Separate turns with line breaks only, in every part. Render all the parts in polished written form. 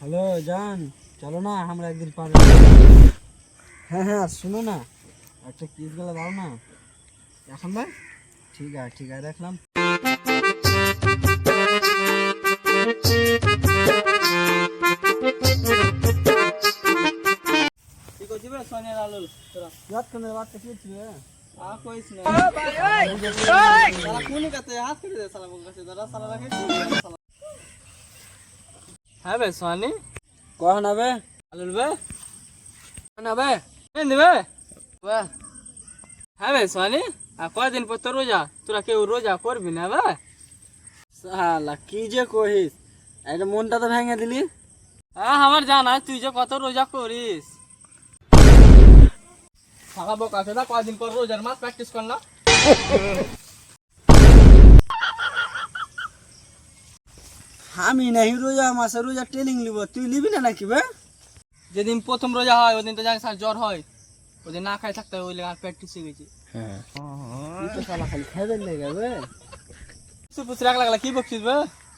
Hello जान, चलो ना हमरा एक दिन पर। हाँ हाँ सुनो ना, अच्छा किस गला दाओ ना এখন ভাই। ঠিক আছে রাখলাম।
কি করছিস বে সোনিয়া লালুল তোরা?
याद करने बात कैसे थी है?
আর কইস না। ও ভাই ওই সালা কোনি কাতে হাত করে দে সালা বল কাছে দাদা সালা রাখে সালা। হ্যাঁ বে সোনি
कौन है बे?
লালুল বে না বে কেন দিবে বে? হ্যাঁ বে সোনি আর কয়দিন পর তো রোজা, তোরা কেউ রোজা করবি না বে?
साला की जे কহিস, এটা মনটা তো ভেঙে দিলি।
হ্যাঁ আমার জানা তুই যে কত রোজা করিস। সালা বোকা চোদা কয়দিন পর রোজার মাস প্র্যাকটিস কর না।
আমি नहीं रोजा मासे रोजा ट्रेनिंग লিব, তুই লিবি না নাকি বে?
যেদিন প্রথম রোজা হয় ওদিন তো জানিস আর জ্বর হয়, ওদিন না খাই থাকতে হয়, ওই লেগে প্র্যাকটিস শিখে গেছি।
হ্যাঁ তুই তো সালা খালি খাইবে লেগে বে।
পুষ রাখ লাগলা কি বকছিস বে?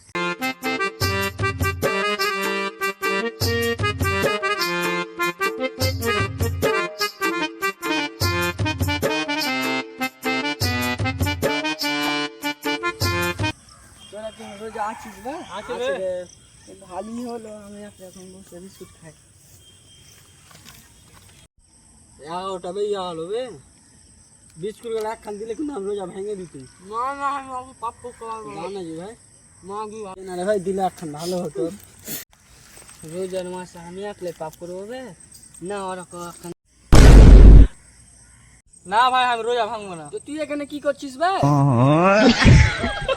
তোরা কি রোজা আছিস বে?
আছে বে।
ভালোই হলো, আমি এখন বসে বিস্কুট খাই। ওটা বে হলো বে, বিস্কুট গুলো একখান দিলে কিন্তু আমি রোজা ভেঙে দিতি।
না না আমি অত পাপ করব
না না জি ভাই,
না কি
না রে ভাই দিলে একখান ভালো হতো।
রোজার মাসে আমি একলে পাপ করবো বে?
না ওরকম একখান।
না ভাই আমি রোজা ভাঙবো না।
তো তুই এখানে কি করছিস ভাই?